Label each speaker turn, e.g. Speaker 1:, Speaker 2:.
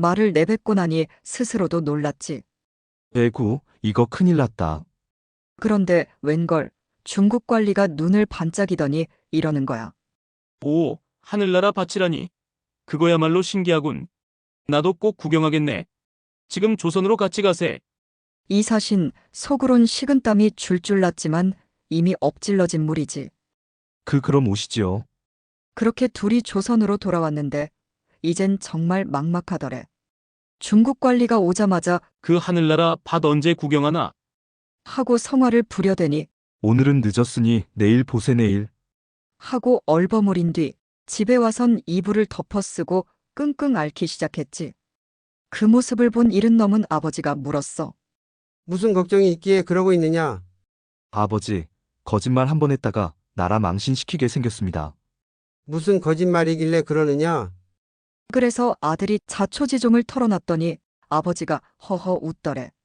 Speaker 1: 말을 내뱉고 나니 스스로도 놀랐지.
Speaker 2: 에구, 이거 큰일 났다.
Speaker 1: 그런데 웬걸 중국 관리가 눈을 반짝이더니 이러는 거야.
Speaker 3: 오, 하늘나라 밭이라니. 그거야말로 신기하군. 나도 꼭 구경하겠네. 지금 조선으로 같이 가세.
Speaker 1: 이사신 속으론 식은땀이 줄줄 났지만 이미 엎질러진 물이지.
Speaker 2: 그럼 오시지요.
Speaker 1: 그렇게 둘이 조선으로 돌아왔는데 이젠 정말 막막하더래. 중국 관리가 오자마자
Speaker 3: 그 하늘나라 밭 언제 구경하나?
Speaker 1: 하고 성화를 부려대니
Speaker 2: 오늘은 늦었으니 내일 보세 내일.
Speaker 1: 하고 얼버무린 뒤 집에 와선 이불을 덮어쓰고 끙끙 앓기 시작했지. 그 모습을 본 이른 넘은 아버지가 물었어.
Speaker 4: 무슨 걱정이 있기에 그러고 있느냐?
Speaker 2: 아버지, 거짓말 한 번 했다가 나라 망신시키게 생겼습니다.
Speaker 4: 무슨 거짓말이길래 그러느냐?
Speaker 1: 그래서 아들이 자초지종을 털어놨더니 아버지가 허허 웃더래.